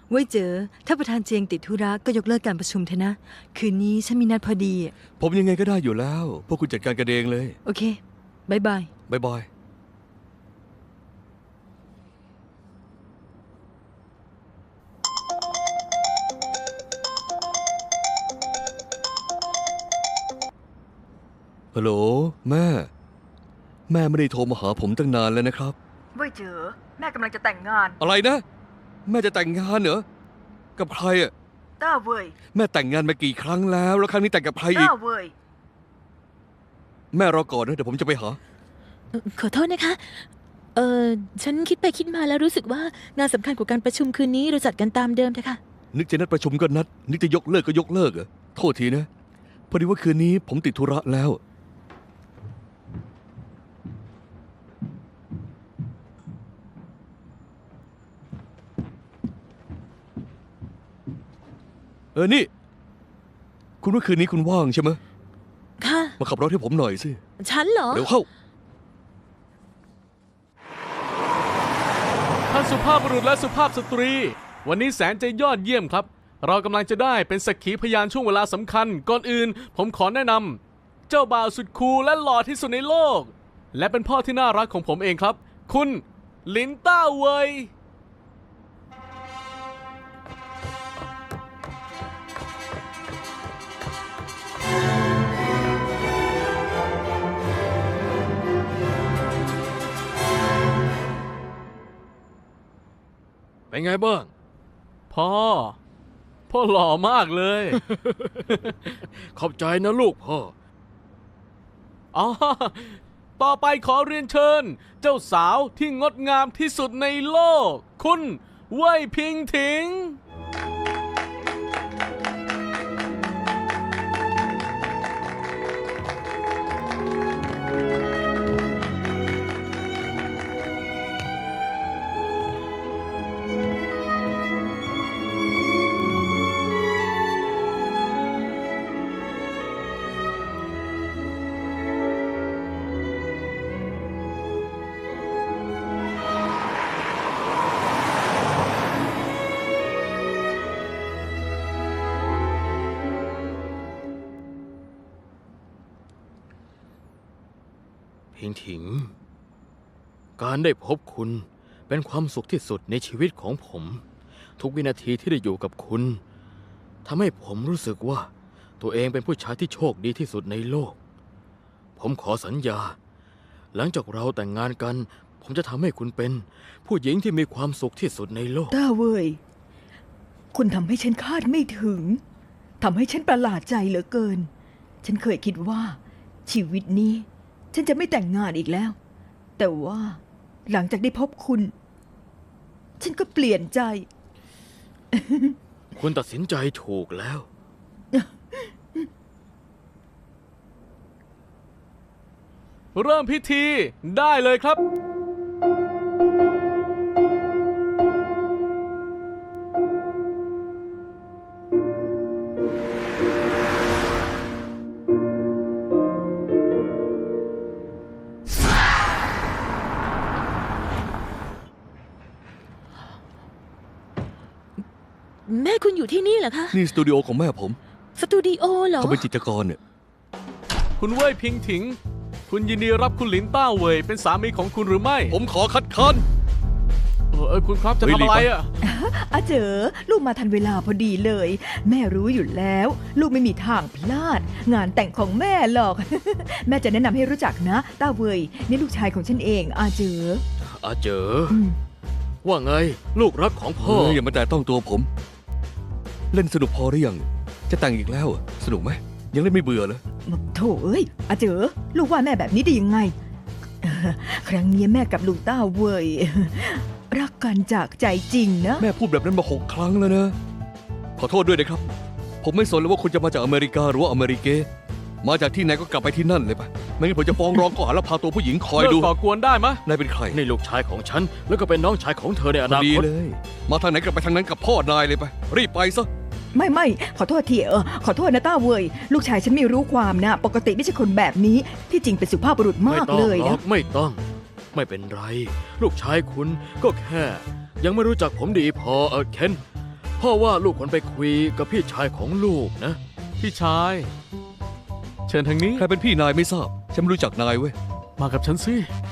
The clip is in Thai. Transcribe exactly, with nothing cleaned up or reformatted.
ไว้เจอถ้าประธานเจียงติดธุระก็ยกเลิกการประชุมเถอะนะคืนนี้ฉันมีนัดพอดีผมยังไงก็ได้อยู่แล้วพวกคุณจัดการกันเองเลยโอเคบายบายบายบายฮัลโหลแม่แม่ไม่ได้โทรมาหาผมตั้งนานแล้วนะครับไว้เจอแม่กำลังจะแต่งงานอะไรนะแม่จะแต่งงานเหรอกับใครอ่ะต้าเว่ยแม่แต่งงานมากี่ครั้งแล้วแล้วครั้งนี้แต่งกับใครอีกต้าเว่ยแม่รอก่อนนะเดี๋ยวผมจะไปหาขอโทษนะคะเออฉันคิดไปคิดมาแล้วรู้สึกว่างานสำคัญกว่าการประชุมคืนนี้เราจัดกันตามเดิมเถอะค่ะนึกจะนัดประชุมก็นัดนึกจะยกเลิกก็ยกเลิกเหรอโทษทีนะพอดีว่าคืนนี้ผมติดธุระแล้วเออนี่คุณว่าคืนนี้คุณว่างใช่ไหมค่ะมาขับรถให้ผมหน่อยสิฉันเหรอเดี๋ยวเข้าท่านสุภาพบุรุษและสุภาพสตรีวันนี้แสนจะยอดเยี่ยมครับเรากำลังจะได้เป็นสักขีพยานช่วงเวลาสำคัญก่อนอื่นผมขอแนะนำเจ้าบ่าวสุดคูลและหล่อที่สุดในโลกและเป็นพ่อที่น่ารักของผมเองครับคุณลินต้าเวยเป็นไงบ้างพ่อพ่อหล่อมากเลยขอบใจนะลูกพ่ออ๋อต่อไปขอเรียนเชิญเจ้าสาวที่งดงามที่สุดในโลกคุณเว่ยพิงถิงพิงถิงการได้พบคุณเป็นความสุขที่สุดในชีวิตของผมทุกวินาทีที่ได้อยู่กับคุณทำให้ผมรู้สึกว่าตัวเองเป็นผู้ชายที่โชคดีที่สุดในโลกผมขอสัญญาหลังจากเราแต่งงานกันผมจะทำให้คุณเป็นผู้หญิงที่มีความสุขที่สุดในโลกต้าเว่ยคุณทำให้ฉันคาดไม่ถึงทำให้ฉันประหลาดใจเหลือเกินฉันเคยคิดว่าชีวิตนี้ฉันจะไม่แต่งงานอีกแล้วแต่ว่าหลังจากได้พบคุณฉันก็เปลี่ยนใจคุณตัดสินใจถูกแล้วเริ่มพิธีได้เลยครับแม่คุณอยู่ที่นี่เหรอคะนี่สตูดิโอของแม่ผมสตูดิโอเหรอเขาเป็นจิตรกรเนี่ยคุณเว่ยพิงถิงคุณยินดีรับคุณหลินต้าเว่ยเป็นสามีของคุณหรือไม่ผมขอคัดค้านเออเออคุณครับจะทำอะไรอ่ะอาเจอลูกมาทันเวลาพอดีเลยแม่รู้อยู่แล้วลูกไม่มีทางพลาดงานแต่งของแม่หรอก แม่จะแนะนำให้รู้จักนะต้าเว่ยนี่ลูกชายของฉันเองอาเจออาเจอว่าไงลูกรักของพ่ออย่ามาแต่ต้องตัวผมเล่นสนุกพอหรือยังจะแต่งอีกแล้วสนุกไหมยังเล่นไม่เบื่อเลยโถเอ้ยอาเจอลูกว่าแม่แบบนี้ได้ยังไงครั้งนี้แม่กับลุงต้าเว่ยรักกันจากใจจริงนะแม่พูดแบบนั้นมาหกครั้งแล้วนะขอโทษด้วยนะครับผมไม่สนเลยว่าคุณจะมาจากอเมริกาหรือว่าอเมริเกมาจากที่ไหนก็กลับไปที่นั่นเลยไปไม่งั้นผมจะฟ้องร้องข้อหาลักพาตัวผู้หญิงคอยดูเลิกก่อกวนได้ไหมนายเป็นใครนี่ลูกชายของฉันแล้วก็เป็นน้องชายของเธอในอนาคตดีเลยมาทางไหนกลับไปทางนั้นกับพ่อนายเลยไปรีบไปซะไม่ไม่ขอโทษทีเออขอโทษนะต้าเว่ยลูกชายฉันไม่รู้ความนะปกติไม่ใช่คนแบบนี้ที่จริงเป็นสุภาพบุรุษมากเลยนะไม่ต้องไม่เป็นไรลูกชายคุณก็แค่ยังไม่รู้จักผมดีพอเออเคนพ่อว่าลูกควรไปคุยกับพี่ชายของลูกนะพี่ชาย เชิญทางนี้ใครเป็นพี่นายไม่ทราบ ฉันไม่รู้จักนายเว้ยมากับฉันสิ